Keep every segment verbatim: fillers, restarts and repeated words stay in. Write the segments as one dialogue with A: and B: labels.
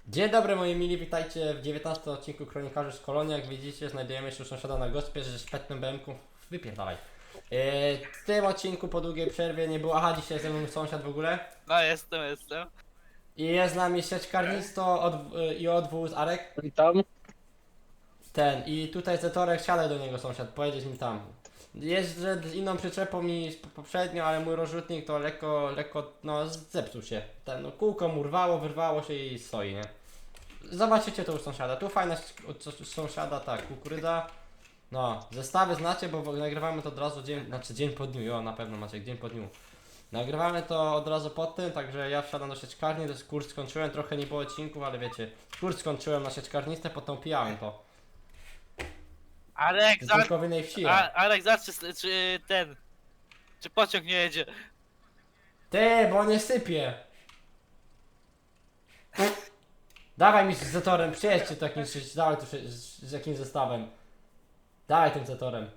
A: Dzień dobry moi mili, witajcie w dziewiętnastym odcinku Kronikarzy z Kolonii. Jak widzicie, znajdujemy się u sąsiada na gospie, że szpetnym B M ku. Wypierdalaj. Yy, w tym odcinku po długiej przerwie nie było. Aha, dzisiaj jest ze mną sąsiad w ogóle.
B: No jestem, jestem.
A: I jest z nami sieczkarnisto od, yy, i odwóz Arek.
C: Witam.
A: Ten, i tutaj Zetorek, siadaj do niego sąsiad, pojedziesz mi tam. Jeżdżę z inną przyczepą niż poprzednio, ale mój rozrzutnik to lekko, lekko, no zepsuł się. Ten, no kółko mu rwało, wyrwało się i stoi, nie? Zobaczycie to u sąsiada. Tu fajna od sąsiada, tak, kukurydza. No, zestawy znacie, bo nagrywamy to od razu dzień, znaczy dzień po dniu, jo, na pewno macie dzień po dniu. Nagrywamy to od razu po tym, także ja wsiadam do sieczkarni, to jest kurs skończyłem, trochę nie było odcinków, ale wiecie, kurs skończyłem na sieczkarnistę, potem pijałem to.
B: Arek,
A: Z
B: za...
A: tylko w innej wsi. ja.
B: A, Arek, zawsze czy ten... Czy pociąg nie jedzie?
A: Ty, bo nie sypie. Dawaj mi z zetorem, przyjedźcie to jakimś, dawaj tu z, z jakimś zestawem. Dawaj tym zetorem.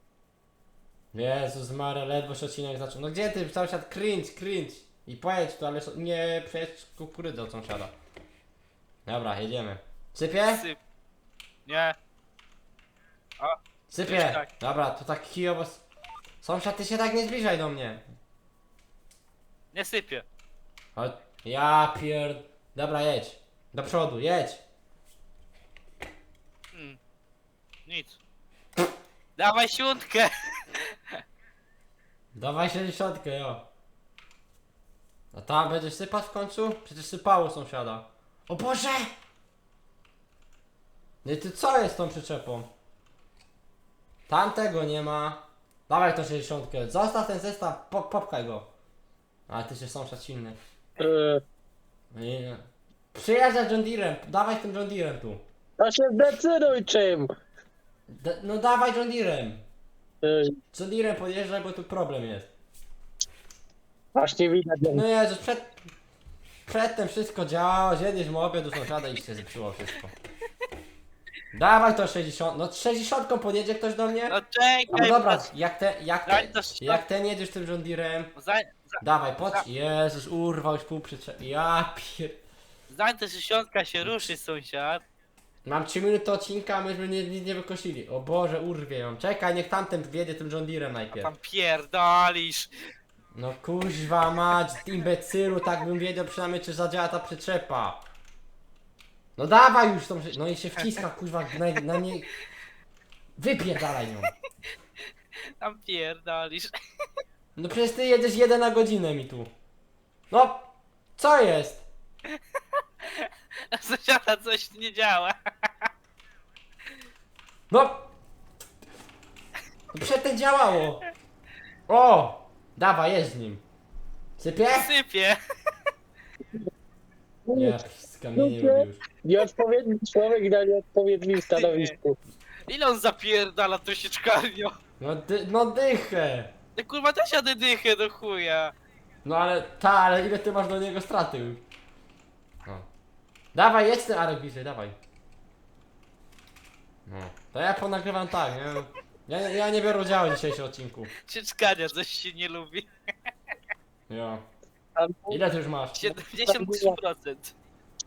A: Jezus Maria, ledwo się odcinek zaczął. No gdzie ty, sąsiad, cringe, cringe. I pojedź tu, ale so- nie przejedź kukurydzę od sąsiada. Dobra, jedziemy. Sypie?
B: Syp. Nie.
A: Sypie.
B: Już tak.
A: Dobra, to tak kijowo... s- Sąsiad, ty się tak nie zbliżaj do mnie.
B: Nie sypie.
A: Chodź. Ja pierd... Dobra, jedź. Do przodu, jedź.
B: Hmm. Nic. Dawaj siódkę!
A: Dawaj sześćdziesiątkę, jo. A tam będziesz sypać w końcu? Przecież sypało sąsiada. O Boże! No i ty co jest z tą przyczepą? Tamtego nie ma. Dawaj to sześćdziesiątkę. Zostaw ten zestaw, pop, popchaj go. Ale ty się sąsiad silny.
C: Yy,
A: Nie. Przyjeżdżaj John Deerem, dawaj tym John Deerem tu.
C: to się zdecyduj czym.
A: D no dawaj John Deerem.
C: Yy,
A: John Deerem podjeżdżaj, bo tu problem jest.
C: właśnie widać.
A: No Jezus, przed... Przedtem wszystko działało, zjedliśmy obiad do sąsiada i się zepsuło wszystko. Dawaj to sześćdziesiąt, no sześćdziesiątką podjedzie ktoś do mnie?
B: No
A: No
B: czekaj!
A: dobra,
B: patrz.
A: jak ten, jak
B: Daj
A: ten,
B: to sto-
A: jak ten jedziesz tym John Deerem,
B: Zań, za,
A: dawaj, podź, Jezus, urwał już pół przyczep, ja pier...
B: zań ta dziesiątka się ruszy, sąsiad.
A: Mam trzy minuty odcinka, a myśmy nie, nie, nie wykosili, o Boże, urwie ją, czekaj, niech tamten wjedzie tym John Deerem najpierw.
B: Tam pierdolisz.
A: No kuźwa mać, imbecylu, tak bym wiedział przynajmniej czy zadziała ta przyczepa. No dawaj już tą, przy- no i się wciska kuźwa na, na nie... Wypierdalaj ją.
B: Tam pierdolisz.
A: No przecież ty jedziesz jeden na godzinę mi tu. No, co jest?
B: Sąsiada coś nie działa.
A: No! No przedtem działało. O! Dawaj, jedź z nim. Sypie?
B: Sypie.
A: Nie, z kamieni robi już.
C: Nieodpowiedni człowiek na nieodpowiednim stanowisku.
B: Ile on zapierdala tą sieczkarnią?
A: No, dy, no dychę.
B: Ty kurwa też jadę dychę do chuja.
A: No ale, ta, ale ile ty masz do niego straty już? No. Dawaj, jedź ten Arek bliżej, dawaj. No. To ja ponagrywam tak, nie? Ja, ja nie biorę udziału w dzisiejszym odcinku.
B: Sieczkania coś się nie lubi.
A: Jo.
C: Tam-
A: Ile ty już masz?
B: siedemdziesiąt trzy procent.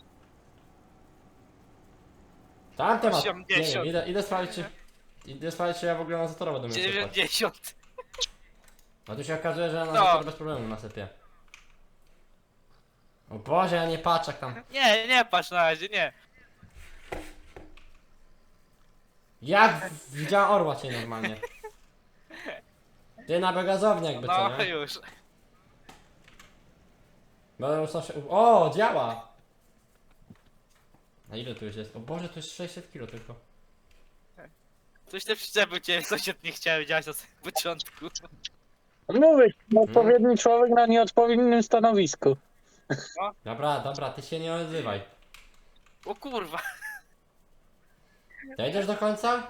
A: Tam temat. Nie
B: osiemdziesiąt.
A: wiem, idę, idę sprawdzić czy... Idę sprawdzić czy ja w ogóle na zatorowo będę miał sypać.
B: dziewięćdziesiąt.
A: A tu się okazuje, że na
B: No.
A: zator bez problemu nasypie. O Boże, ja nie patrzę jak tam.
B: Nie, nie patrz na razie, nie.
A: Jak w- widziałem orła cię normalnie. Ty na begazownię jakby co,
B: No
A: nie?
B: już.
A: Będę musiał się... O, działa! A ile tu już jest? O Boże, tu jest sześćset kilo tylko.
B: Coś te przyczepy cię sąsiad nie chciał działać na samym początku.
C: Mówię, nieodpowiedni człowiek na nieodpowiednim stanowisku.
A: Dobra, dobra, ty się nie odzywaj.
B: O kurwa.
A: Dojedziesz do końca?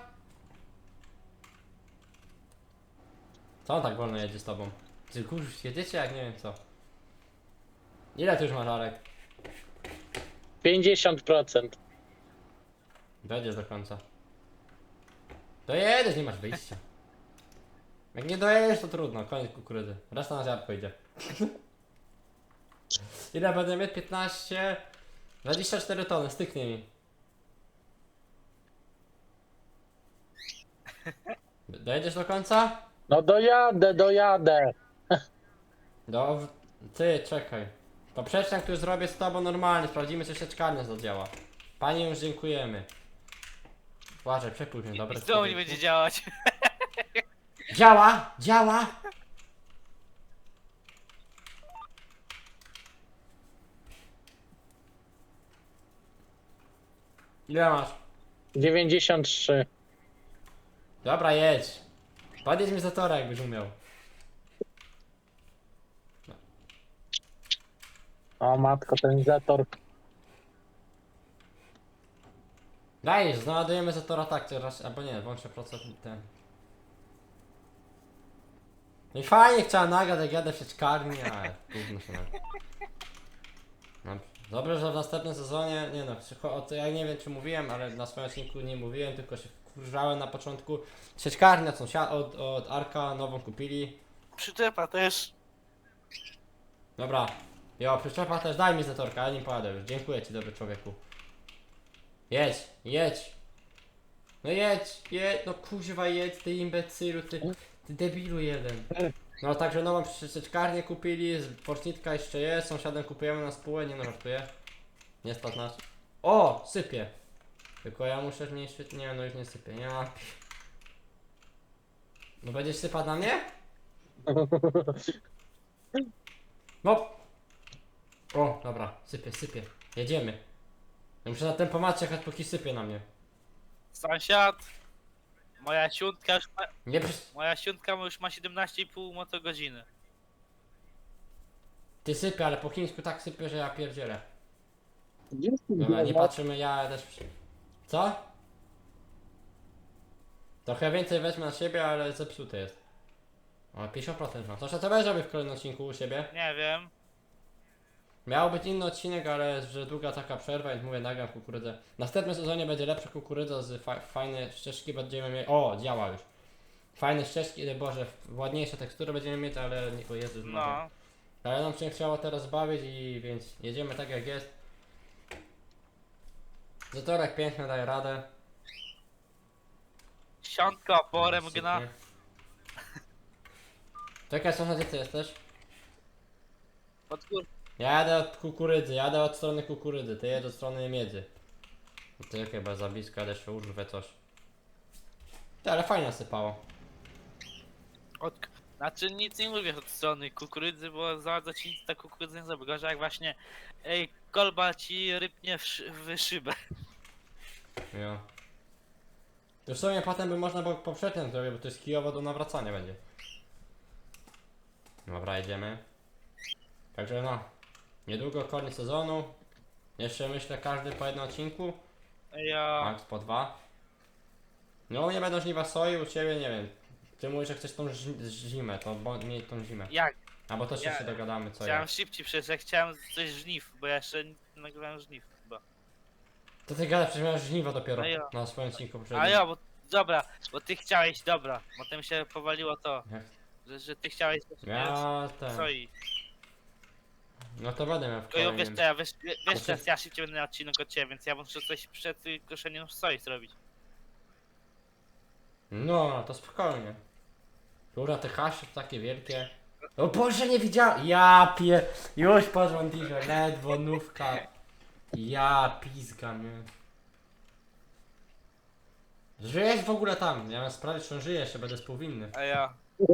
A: Co on tak wolno jedzie z tobą? Ty kurz, jedziecie jak nie wiem co. Ile ty już masz, Arek?
C: pięćdziesiąt procent.
A: Dojedziesz do końca. Dojedziesz, nie masz wyjścia. Jak nie dojedziesz, to trudno, koniec kukurydzy. Reszta na ziarnko idzie. Ile będę mieć? piętnaście. dwadzieścia cztery tony, styknie mi. Dojedziesz do końca?
C: No dojadę, dojadę.
A: Do... Ty, czekaj. Poprzeczniak, który zrobię z tobą normalnie, sprawdzimy, czy sieczkarnia zadziała. Pani już dziękujemy. Uważaj, przepuść mnie, dobra?
B: I znowu nie będzie działać.
A: Działa! Działa! Ile masz?
C: dziewięćdziesiąt trzy.
A: Dobra, jedź. Podjedź mi za tora, jakbyś umiał.
C: O matko, ten zator.
A: Dajesz, znajdujemy za tora tak, raz, albo nie, włączę procent ten. No i fajnie chciałem nagrać, jak jadę w sieczkarni, ale gówno się nagra. No, dobrze, że w następnym sezonie, nie no, przycho- o to ja nie wiem czy mówiłem, ale na swoim odcinku nie mówiłem, tylko się wkurzałem na początku. Sieczkarnia sąsiad od, od Arka nową kupili.
B: Przyczepa też.
A: Dobra, jo, przyczepa też, daj mi zatorka, ja nim pojadę już, dziękuję ci dobry człowieku. Jedź, jedź. No jedź, jedź, no kuźwa jedź, ty imbecylu, ty, ty debilu jeden. No także nową przyczepkarnię kupili, z Fortnitka jeszcze jest, sąsiadem kupujemy na spółę, nie no żartuję. Nie stać nas. O, sypie. Tylko ja muszę zmniejszyć, nie no już nie sypie, nie ma. No będziesz sypać na mnie? No. O, dobra, sypie, sypie. Jedziemy. Ja muszę na tempomat czekać póki sypie na mnie.
B: Sąsiad. Moja siuntka już ma,
A: Nie przy...
B: moja siuntka już ma siedemnaście i pół motogodziny.
A: Ty sypie, ale po chińsku tak sypie, że ja pierdzielę.
C: Gdzie jest ten
A: Dobra, nie
C: global?
A: patrzymy, ja też... przy- Co? Trochę więcej wezmę na siebie, ale zepsuty jest. O, pięćdziesiąt procent ma. To co będziesz robił w kolejnym odcinku u siebie?
B: Nie wiem.
A: Miał być inny odcinek, ale że długa taka przerwa, więc mówię, nagram kukurydzę. W następnym sezonie będzie lepsza kukurydza z fa fajne ścieżki będziemy mieć. O, działa już. Fajne ścieżki, boże, ładniejsze tekstury będziemy mieć, ale nie, o Jezus Maria.
B: No.
A: Ale nam się chciało teraz bawić i więc jedziemy tak jak jest. Zatorek piękny, daje radę.
B: Siątka oporem
A: Super.
B: gna.
A: Czekaj, sąsiad, gdzie ty jesteś?
B: Pod gór.
A: Ja jadę od kukurydzy, jadę od strony kukurydzy, ty jedź od strony miedzy. Ty chyba za blisko, ale jeszcze urwę coś. Ty, ale fajnie sypało.
B: Od... Znaczy nic nie mówię od strony kukurydzy, bo za bardzo ci nic ta kukurydza nie zrobi. Gorzej jak właśnie ej, kolba ci rypnie w, szy w szybę.
A: Jo. To w sumie potem by można było poprzednio zrobić, bo to jest kijowo do nawracania będzie. Dobra, jedziemy. Także no, niedługo koniec sezonu. Jeszcze myślę każdy po jednym odcinku.
B: Ja...
A: Max po dwa. No u mnie będą żniwa soi, u ciebie nie wiem. Ty mówisz, że chcesz tą ż- zimę, to bo miej tą zimę.
B: Jak?
A: Albo też
B: Ja-
A: się dogadamy co
B: Chciałem
A: ja.
B: szybciej przecież, ja chciałem coś żniw, bo ja jeszcze nie nagrywałem żniw chyba.
A: To ty gadasz, przecież miałeś żniwo dopiero
B: A ja.
A: na swoim odcinku poprzednim.
B: A ja, bo dobra, bo ty chciałeś, dobra, potem się powaliło to,
A: Jak?
B: że, że ty chciałeś
A: Ja ten.
B: soi.
A: No to będę miał w
B: Tylko ja, wiesz
A: kolejnym.
B: co, ja, wiesz, wiesz
A: Znaczy-
B: teraz ja szybciej będę na odcinek od ciebie, więc ja muszę coś przed y, koszeniem soi zrobić.
A: No, to spokojnie. Kurwa, te hasze to takie wielkie. O Boże, nie widziałem! Ja pie... Już po rządirze, ledwo nówka. Ja pizgam, nie? Żyjesz w ogóle tam? Ja mam sprawdzić, czy on żyje, jeszcze będę współwinny.
B: A ja,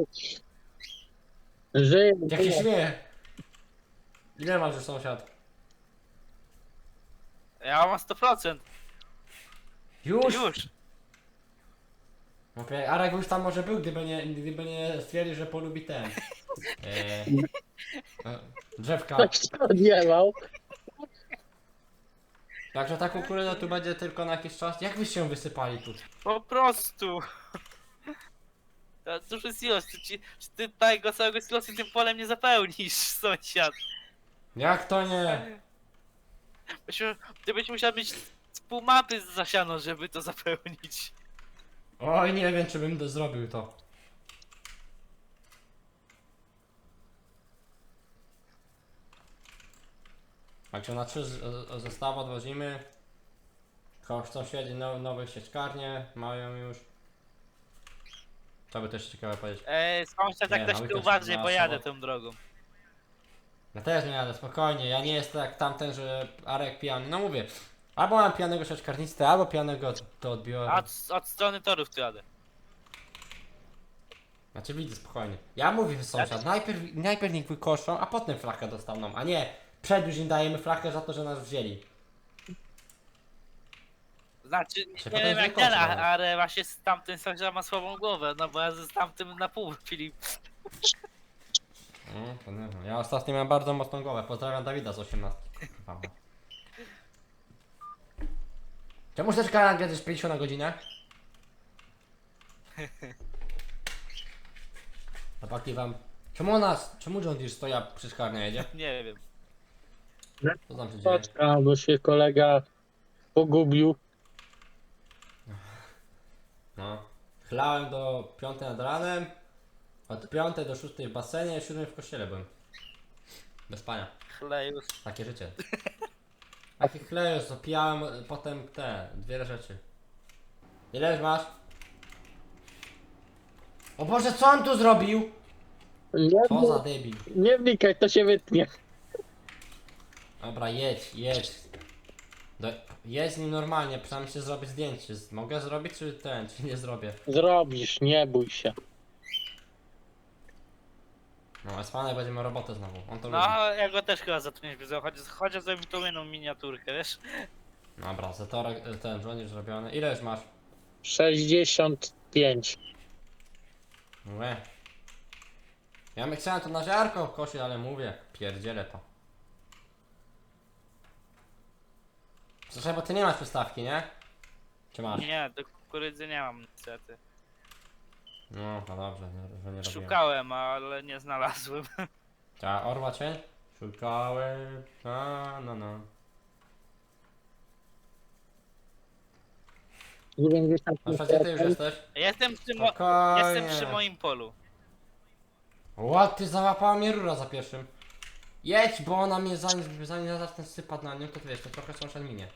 C: Żyję,
A: Jak się
C: żyję.
A: śmieje? Ile masz już sąsiad?
B: ja mam sto procent,
A: Już?
B: już.
A: Okej, Arek już tam może był, gdyby nie, gdyby nie stwierdził, że polubi ten. Eee, e, drzewka.
C: Ktoś to odjebał.
A: Także ta kukurydza tu będzie tylko na jakiś czas. Jak wyście ją wysypali tu?
B: Po prostu. To duży silos, ty, ci- ty tego całego silosu tym polem nie zapełnisz, sąsiad.
A: Jak to nie?
B: Myśmy, ty byś musiał mieć z pół mapy zasiano, żeby to zapełnić.
A: Oj, nie wiem, czy bym to zrobił to. Także na trzy z- z- zestawy odwozimy. Ko- Sąsiedzi now, nowe sieczkarnie mają już. Co by też ciekawe powiedzieć?
B: Ej, sąsiad,
A: Nie,
B: tak
A: na
B: też
A: weekend
B: uważaj,
A: na
B: bo jadę
A: sobotę.
B: tą drogą.
A: Ja też nie jadę, spokojnie, ja nie jestem jak tamten, że Arek pijany. No mówię, albo mam pijanego sieczkarnictwa, albo pijanego to odbiorę.
B: A od, od strony torów tu jadę.
A: Znaczy widzę, spokojnie. Ja mówię sąsiad, najpierw, najpierw niech wykoszą, a potem flachę dostaną, a nie przed już im dajemy flachę za to, że nas wzięli.
B: Znaczy,
A: Się
B: nie
A: potem
B: wiem jak
A: wykończy
B: ten,
A: nawet.
B: ale właśnie z tamtym sąsiad ma słabą głowę, no bo ja z tamtym na pół Filip.
A: Mm, to nie wiem. Ja ostatnio miałem bardzo mocną głowę, pozdrawiam Dawida z osiemnastki. Kurwa. Czemu też kanał jedziesz pięćdziesiąt na godzinę? Chłopaki wam... Czemu nas... Czemu John Deere stoja przy szkarnie jedzie?
B: Nie wiem.
A: Co tam się dzieje?
C: Poczka, bo się kolega pogubił.
A: No. Chlałem do piątej nad ranem, od piątej do szóstej w basenie, siódmej w kościele byłem. Bez spania.
B: Chlejus.
A: Takie życie. Taki chlejus, to pijałem potem te, dwie rzeczy. Ile już masz? O Boże, co on tu zrobił?
C: Nie,
A: Co za debil.
C: nie wnikaj, to się wytnie.
A: Dobra, jedź, jedź. Do, jedź z nim normalnie, przynajmniej się zrobić zdjęcie. Z- Mogę zrobić, czy ten, czy nie zrobię?
C: Zrobisz, nie bój się.
A: No, Espanek będzie miał robotę znowu, on to lubi.
B: No, ja go też chyba zatrudnić by chociaż, chociaż zrobił tą jedną miniaturkę, wiesz?
A: Dobra, zatorek, ten, żołnierz zrobiony. Ile już masz?
C: sześćdziesiąt pięć.
A: Mówię. Ja bym chciałem to na ziarko kosić, ale mówię, pierdzielę to. Słyszę, bo ty nie masz przystawki, nie? Czy masz?
B: Nie, do kukurydzy nie mam niestety.
A: No, no dobrze, nie, że nie robiłem.
B: Szukałem, ale nie znalazłem.
A: Ta orła cień? Szukałem, a no no.
C: dziewięćdziesiąt
A: A gdzie ty już jesteś?
B: Jestem przy, mo-
A: Spokojnie.
B: jestem przy moim polu.
A: Ła, ty załapała mnie rura za pierwszym. Jedź, bo ona mnie zanim, zanim ja zacznę sypać na nią, to ty wiesz, to trochę sąsiad minie.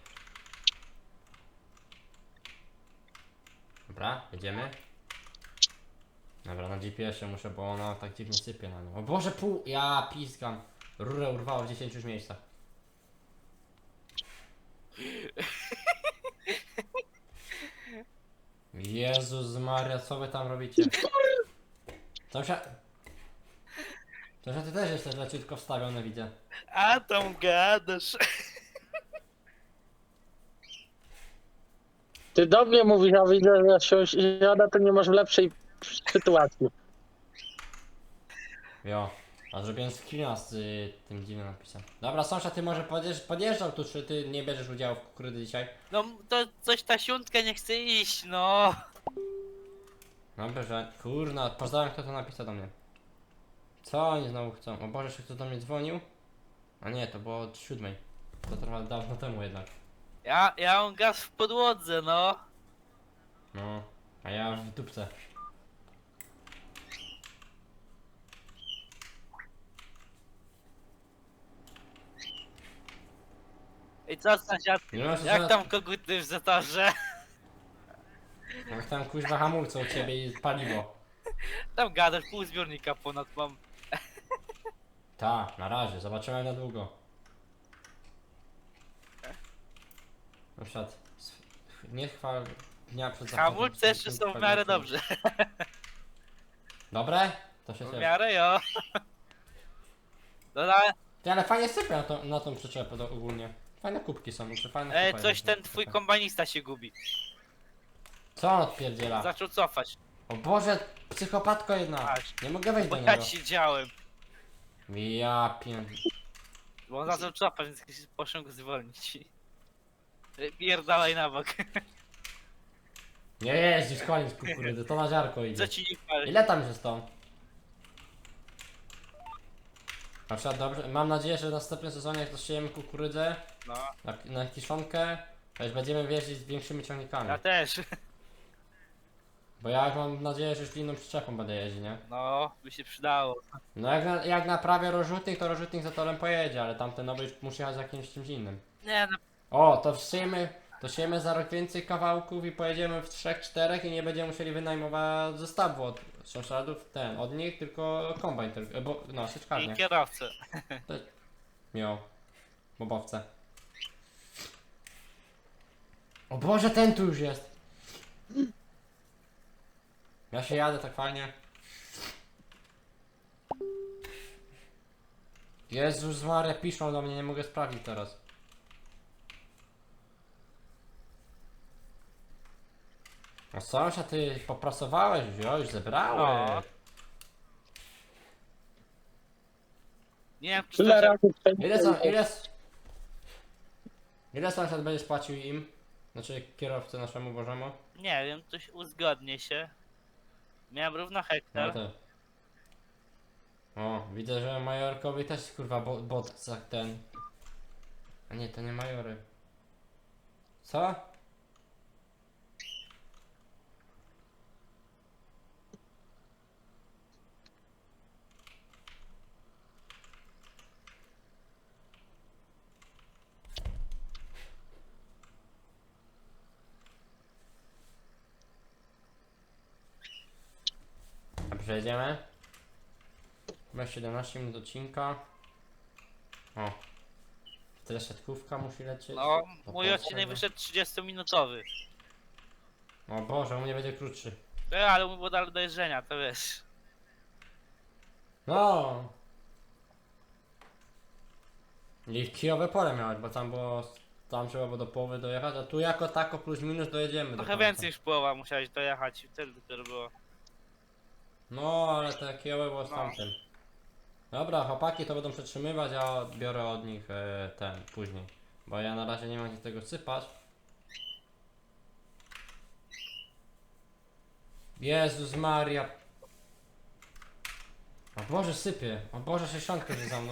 A: Dobra, jedziemy. Dobra, na G P S-ie muszę, bo ona tak dziwnie sypie na nią. O Boże, pół... Ja piskam. Rurę urwało w dziesięciu już miejscach. Jezus Maria, co wy tam robicie? Sąsiad... Sąsiad, ty też jesteś leciutko wstawiony, widzę.
B: A tam gadasz.
C: Ty do mnie mówisz, a widzę, że sąsiada to nie masz w lepszej sytuacji.
A: Jo. A zrobiłem screena z y, tym dziwnym napisem. Dobra, sąsiad, ty może podjeżdż, podjeżdżał tu, czy ty nie bierzesz udziału w kukurydzy dzisiaj?
B: No to coś ta siuntka nie chce iść, no.
A: Dobra, że... Kurna, pozdrawiam, kto to napisał do mnie. Co oni znowu chcą? O Boże, jeszcze ktoś do mnie dzwonił? A nie, to było od siódmej. To trwa dawno temu jednak.
B: Ja, ja mam gaz w podłodze, no.
A: No, a ja w dupce.
B: I co sąsiad?
A: Nie masz
B: Jak tam koguty w zatorze?
A: Jak tam kuźwa hamulce u ciebie i paliwo.
B: Tam gadasz, pół zbiornika ponad mam.
A: Ta, na razie, zobaczymy na długo. Na przykład, s- nie chwal dnia przed zachodem.
B: Hamulce jeszcze są w miarę dobrze.
A: Dobre? To się
B: W
A: cieszę.
B: miarę jo. No na,
A: Ty, ale fajnie sypie na, to, na tą przyczepę to ogólnie. Fajne kubki są, czy fajne
B: e,
A: kupa
B: coś
A: jest,
B: ten
A: no,
B: twój
A: taka.
B: kombanista się gubi.
A: Co on odpierdziela?
B: Zaczął cofać.
A: O Boże, psychopatko jedna.
B: Aż.
A: Nie mogę wejść
B: Bo
A: do
B: ja
A: niego.
B: siedziałem.
A: Ja pię...
B: Bo on zaczął cofać, więc poszedł go zwolnić. E, Pierdalaj na bok.
A: Nie jeździsz, koniec kukurydzy, to na ziarko idzie.
B: Co ci nie pali?
A: Ile tam jest to? Na przykład dobrze, mam nadzieję, że w następnym sezonie jak dosiejemy kukurydzę
B: No,
A: na, na kiszonkę, to już będziemy wjeździć z większymi ciągnikami.
B: ja też.
A: Bo ja mam nadzieję, że już inną przyczepą będę jeździć, nie?
B: No, by się przydało.
A: No jak, na, jak naprawię rozrzutnik, to rozrzutnik za torem pojedzie, ale tamten nowy już musi jechać z jakimś czymś innym.
B: Nie no,
A: O, to siejmy, to siejmy za rok więcej kawałków i pojedziemy w trzech, czterech i nie będziemy musieli wynajmować zestawu od sąsiadów, ten, od nich, tylko kombajn, tylko, bo, no,
B: i
A: sieczkarnię.
B: kierowcę.
A: Miał, bobowce. O Boże, ten tu już jest! Ja się jadę tak fajnie. Jezus Maria, piszą do mnie, nie mogę sprawdzić teraz. No sąsiad, ty poprasowałeś już, o, już zebrałeś.
B: No. Nie wiem, czy
C: Tyle
B: to się...
C: razy
A: Ile, są, ile, s- ile sąsiad będzie spłacił im? Znaczy kierowcy naszemu Bożemu?
B: Nie wiem, coś uzgodnię się. Miałem równo
A: No
B: hektar.
A: to. O, widzę, że majorkowi też kurwa bo, bot za ten. A nie, to nie majory. Co? A przejdziemy? Masz siedemnaście minut odcinka. O. Tyle siatkówka musi lecieć.
B: No,
A: To
B: mój
A: po
B: odcinek
A: czego?
B: wyszedł trzydziestominutowy.
A: O Boże, u mnie będzie krótszy.
B: E, ale mój było dalej do jeżdżenia, to wiesz.
A: No. I kijowe pole miałeś, bo tam było. Tam trzeba było do połowy dojechać, a tu jako tako plus minus dojedziemy do
B: Trochę
A: końca.
B: więcej niż połowa musiałeś dojechać i wtedy dopiero było.
A: No, ale te kijowe było z
B: No.
A: tamtym. Dobra, chłopaki to będą przetrzymywać, a biorę od nich e, ten później. Bo ja na razie nie mam gdzie tego sypać. Jezus Maria. O Boże, sypie. O Boże, sześćdziesiątka jest za mną.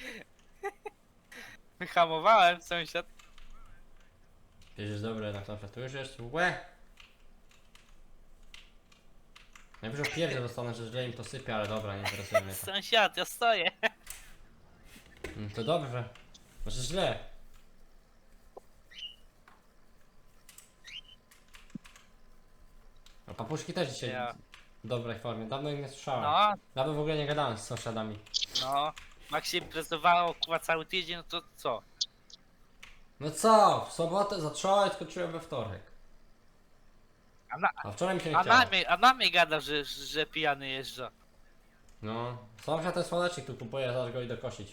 B: Wyhamowałem sąsiad.
A: Jezus, dobre na to, że tu już jest łe. Najwyżej pierdzie dostanę, że źle im to sypie, ale dobra, nie interesuje mnie to.
B: Sąsiad, ja stoję.
A: Mm, To dobrze. Znaczy źle. A papuszki też dzisiaj
B: Ja.
A: w dobrej formie. Dawno ich nie słyszałem.
B: No,
A: Dawno w ogóle nie gadałem z sąsiadami.
B: no. Jak się imprezowało kurwa cały tydzień, no to co?
A: No co? W sobotę zacząłem, skończyłem we wtorek.
B: A na,
A: A wczoraj mi się nie
B: a
A: chciało.
B: na mnie, a na mnie gada, że, że pijany jeżdża.
A: No. Sąsiad ten słonecznik tu kupuje, zaraz go idę kosić.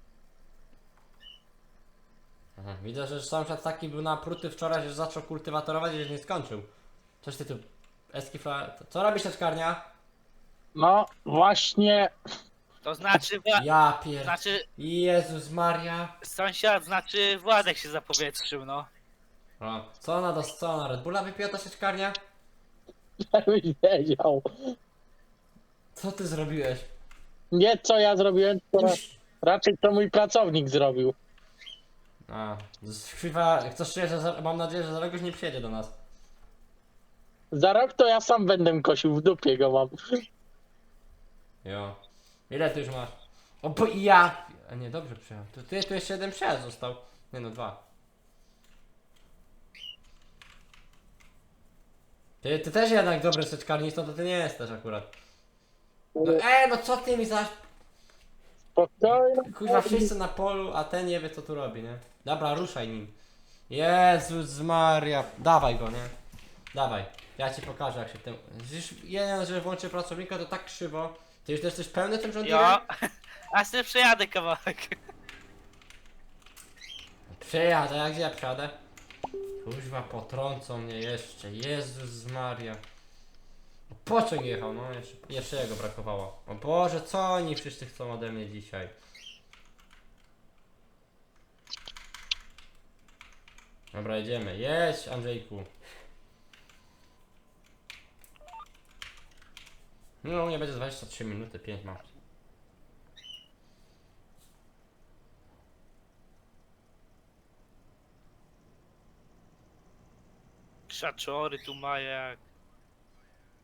A: Aha, widzę, że sąsiad taki był napruty wczoraj, że zaczął kultywatorować i że nie skończył. Coś ty tu... Eskifla... Co robisz sieczkarnia?
C: No właśnie,
B: To znaczy, wła,
A: Ja pier...
B: znaczy,
A: Jezus Maria.
B: sąsiad, znaczy Władek się zapowietrzył, no.
A: O, co ona do co ona? Red Bulla wypiła ta sieczkarnia?
C: żebyś wiedział.
A: Co ty zrobiłeś?
C: Nie co ja zrobiłem, to ra-
A: Puść.
C: raczej to mój pracownik zrobił.
A: A, z- chyba, chcesz że za, mam nadzieję, że za rok już nie przyjedzie do nas.
C: Za rok to ja sam będę kosił, w dupie go mam.
A: Jo. Ile ty już masz? O, bo i ja! A nie, dobrze przyjechał. To ty, tu jeszcze jeden przejazd został. Nie no, dwa. Ty, ty też jednak dobry seczkarnistą, to ty nie jesteś akurat. No e, no co ty mi za...
C: Spokojnie.
A: Kuźwa, wszyscy na polu, a ten nie wie co tu robi, nie? Dobra, ruszaj nim. Jezus Maria. Dawaj go, nie? Dawaj. Ja ci pokażę jak się tym... Widzisz, jeden, że włączy pracownika to tak krzywo. Ty już jesteś pełny tym rządem?
B: Jo. A sobie przejadę kawałek.
A: Przejadę, jak gdzie ja przejadę? Kuźwa, potrącą mnie jeszcze. Jezus Maria. Pociąg jechał, no jeszcze, jeszcze jego brakowało. O Boże, co oni wszyscy chcą ode mnie dzisiaj? Dobra, jedziemy. Jedź, Andrzejku. No, nie będzie dwadzieścia trzy minuty, pięć mam.
B: Krzaczory tu mają jak.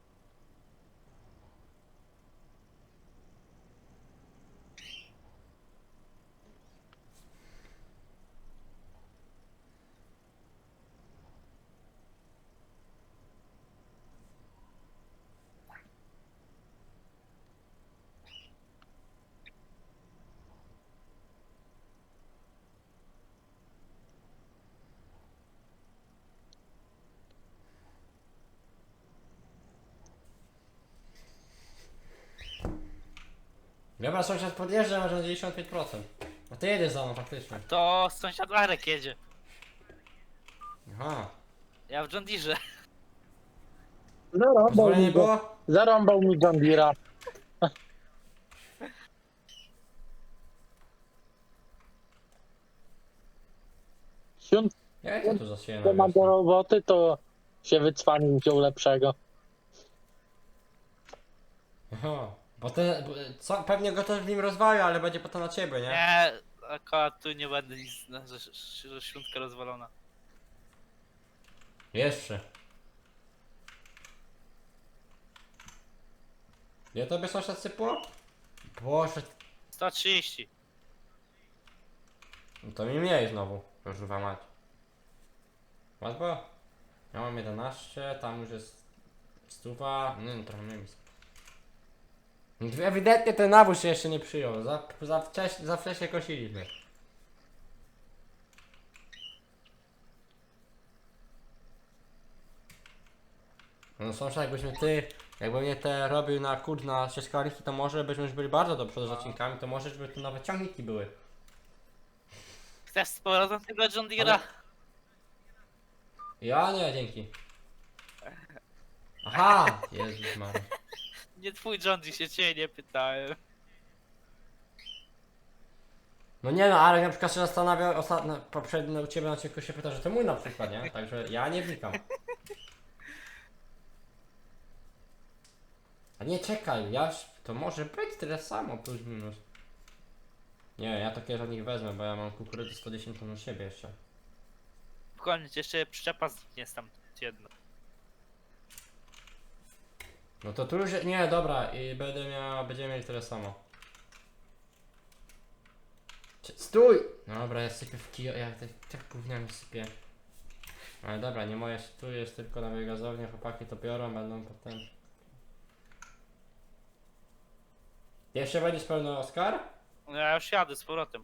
A: Dobra, sąsiad podjeżdża, masz na dziewięćdziesiąt pięć procent. A ty jedziesz za mną faktycznie.
B: To sąsiad Arek jedzie.
A: Aha.
B: Ja w John Deere.
C: Zarąbał
A: Pozwolenie
C: mi, go,
A: było?
C: zarąbał mi John Deere'a. Siąd
A: Ja co tu zasieję
C: to
A: na
C: ma do roboty, to się wycwanił wziął lepszego.
A: Aha. Bo ten, bo, co, pewnie go też w nim rozwalił, ale będzie potem na ciebie, nie?
B: Nie, akurat tu nie będę nic, no, że, że, że śrunka rozwalona.
A: Jeszcze. Ile tobie sąsiad sypło? Boże,
B: sto trzydzieści.
A: no to mi mniej znowu. Proszę mać. Łatwo? Ja mam jedenaście, tam już jest stuwa, no, no trochę mniej. Ewidentnie ten nawóz się jeszcze nie przyjął, za, za, wcześnie, za wcześnie kosiliśmy. No sąsiad, jakbyśmy ty, jakby mnie te robił na kurs na ścieżkarki, to może byśmy już byli bardzo do przodu z odcinkami, to może żeby tu nowe ciągniki były.
B: Chcesz z powrotem tego John Deere'a?
A: Ale- Ja nie, dzięki. Aha! Jezus Maria.
B: Nie twój John Deere, się ciebie nie pytałem.
A: No nie no, ale na przykład się zastanawiał, ostatnio, poprzednio u ciebie na odcinku się pyta, że to mój na przykład, nie? Także ja nie wnikam. A nie, czekaj, ja, to może być tyle samo, plus minus. Nie, ja takie od nich wezmę, bo ja mam kukurydzę sto dziesięć ton na siebie jeszcze.
B: Koniec, jeszcze przyczepa zniknie tam jedno.
A: No to tu już, nie, dobra, i będę miał, będziemy mieli tyle samo. Cie- Stój! No dobra, ja sypię w kijo, ja tak, tak gówniami sypię. Ale dobra, nie moje, tu jest tylko na biogazownię, chłopaki to biorą, będą potem... Jeszcze będziesz pełny Oskar?
B: No ja już jadę z powrotem.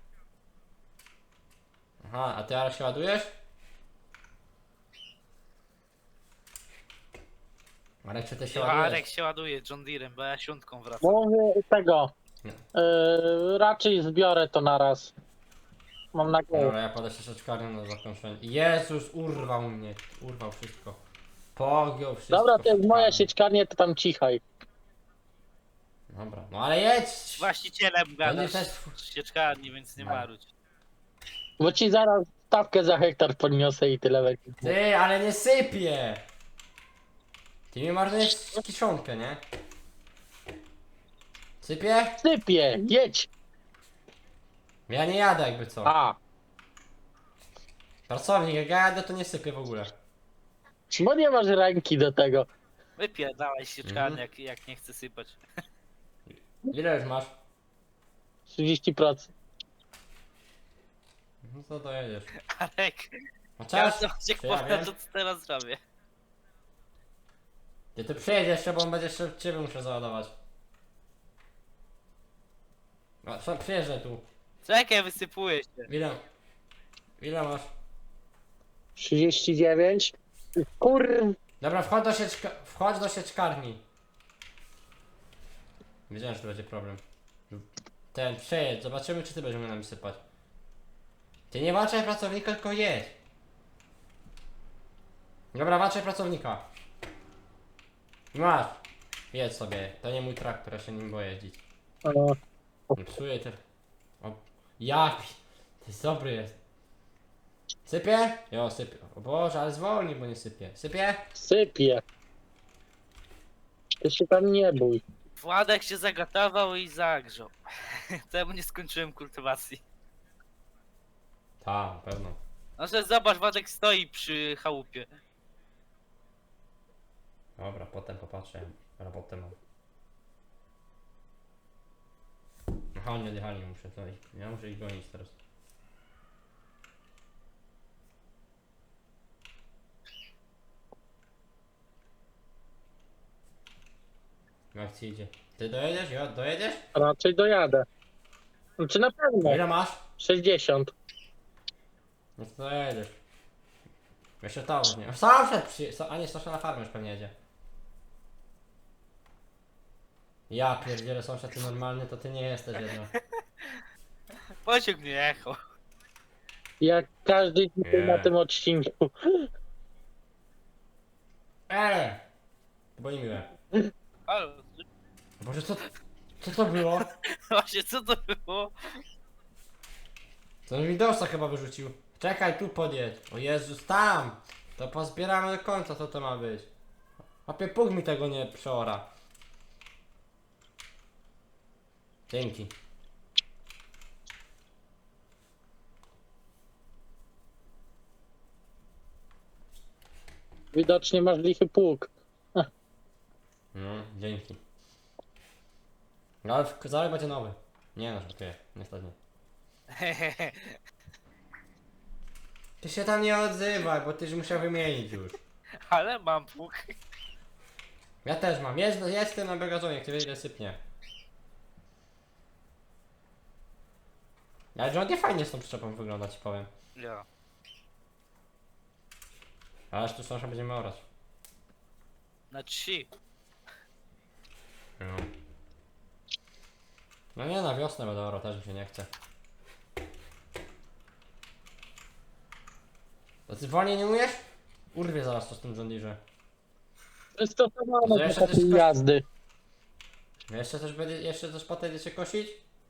A: Aha, a ty ale się ładujesz? Marek, czy ty się ładujesz?
B: Arek się ładuje John Deere'em, bo ja śrunką wracam.
C: Mówię tego.
A: Nie.
C: Yy, raczej zbiorę to naraz. Mam nadzieję.
A: Dobra, ja podę się szeczkarnią na zakończenie. Jezus, urwał mnie, urwał wszystko. Pogiął wszystko.
C: Dobra, to jest moja
A: sieczkarnią.
C: sieczkarnia, to tam cichaj.
A: Dobra, no ale jedź!
B: Z właścicielem gadasz
A: też-
B: z sieczkarni, więc nie marudź.
C: Bo ci zaraz stawkę za hektar podniosę i tyle będzie.
A: Ty, ale nie sypie! Ty mi marnujesz kiszonkę, nie? Sypie?
C: Sypie, jedź!
A: Ja nie jadę jakby co.
C: A,
A: Pracownik, jak ja jadę to nie sypie w ogóle.
C: bo nie masz ręki do tego.
B: Wypierdalaj sieczkarnię,
A: Mhm.
B: jak, jak nie chce sypać.
A: Ile już masz?
C: trzydzieści procent.
A: No to dojedziesz.
B: Arek,
A: No
B: ja
A: czas?
B: to cię
A: Czy ja
B: powiem,
A: wiem?
B: to co teraz zrobię.
A: Ty tu przyjedziesz jeszcze, bo on będzie jeszcze ciebie muszę załadować. No, co, przyjeżdżaj tu.
B: Czekaj, wysypuję się.
A: Ile? Ile masz?
C: trzydzieści dziewięć. Kur...
A: Dobra, wchodź do sieczka... wchodź do sieczkarni. Wiedziałem, że to będzie problem. Ten, przejedź, zobaczymy czy ty będziesz umiał nami sypać. Ty nie walczaj pracownika, tylko jedź. Dobra, walczaj pracownika. Masz. Jedź sobie, to nie mój traktor, ja się nim boję jeździć.
C: O,
A: Nie psuję te... O, jak? To jest dobry jest. Sypie? Jo, sypie. O Boże, ale zwolnij, bo nie sypie. Sypie?
C: sypie. Ty się tam nie bój.
B: Władek się zagotował i zagrzał. Temu nie skończyłem kultywacji.
A: Tak, na pewno.
B: No że zobacz, Władek stoi przy chałupie.
A: Dobra, potem popatrzę. Robotę mam. Aha, nie odjechali, muszę to iść. Ja muszę ich gonić teraz. Jak ci idzie? Ty dojedziesz? Ja dojedziesz?
C: Raczej dojadę. Znaczy na pewno.
A: Ile masz?
C: sześćdziesiąt.
A: No to dojedziesz. Jeszcze to już nie. Sąsiad przy... A nie, sąsiad na farmę już pewnie jedzie. Ja pierdzielę, sąsiad, ty normalny, to ty nie jesteś jedno.
B: Pociąg nie jechał.
C: Jak każdy dzisiaj
A: Nie.
C: na tym odcinku.
A: Eee! To było niemiłe.
B: Ale,
A: Boże, co, co to było?
B: właśnie co to było?
A: To on Windowsa chyba wyrzucił. Czekaj, tu podjedź. O Jezus, tam! To pozbieramy do końca, co to ma być. Opie, puk mi tego nie przeora. Dzięki.
C: Widocznie masz lichy pług.
A: No, dzięki. No, ale w- zaraz będzie nowy. Nie no, żartuję, niestety. Ty się tam nie odzywaj, bo tyś musiał wymienić już.
B: Ale mam pług.
A: Ja też mam, jest, jest ten na bagażonie, jak ty wiesz, ile sypnie. Ale John nie fajnie z tą przyczepą wygląda, ci powiem.
B: Ja.
A: Ależ tu sąsiad będziemy orać.
B: Na trzy.
A: No. No nie, na wiosnę będę orał, też mi się nie chce. To ty wolniej nie umiesz? Urwie zaraz to z tym John Deere.
C: Przystosowane
A: To
C: do
A: jeszcze
C: takiej
A: coś koś-
C: jazdy.
A: Jeszcze coś będzie, jeszcze coś potem się kosić?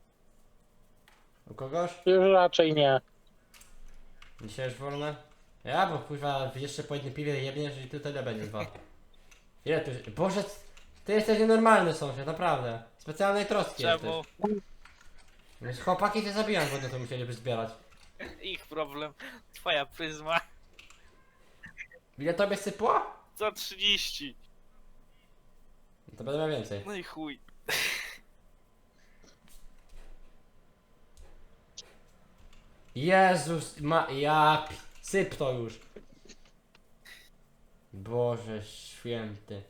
A: U kogoś?
C: Już raczej nie.
A: Dzisiaj już wolne? Ja, bo kurwa jeszcze po jednym piwie jebniesz i ty tyle będzie dwa. Ile tu... Boże, ty jesteś nienormalny sąsiad, naprawdę. Specjalnej troski
B: Czemu?
A: jesteś. Więc chłopaki cię zabijam, bo to musieliby zbierać.
B: Ich problem. Twoja pryzma.
A: Ile tobie sypło?
B: Za trzydzieści.
A: To będę miał więcej.
B: No i chuj.
A: Jezus, ma... ja... pi- Syp to już. Boże święty.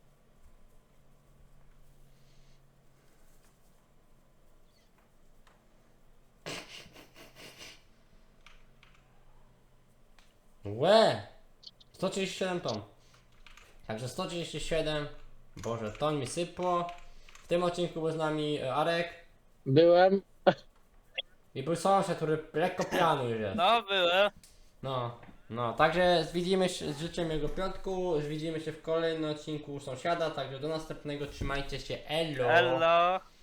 A: Łe! sto trzydzieści siedem ton. Także sto trzydzieści siedem. Boże, ton mi sypło. W tym odcinku był z nami e, Arek.
C: Byłem.
A: I był sąsiad, który lekko pijany już jest.
B: No byłem.
A: No, no, także widzimy się, życzę miłego piątku. Widzimy się w kolejnym odcinku sąsiada. Także do następnego, trzymajcie się, elo!
B: Hello.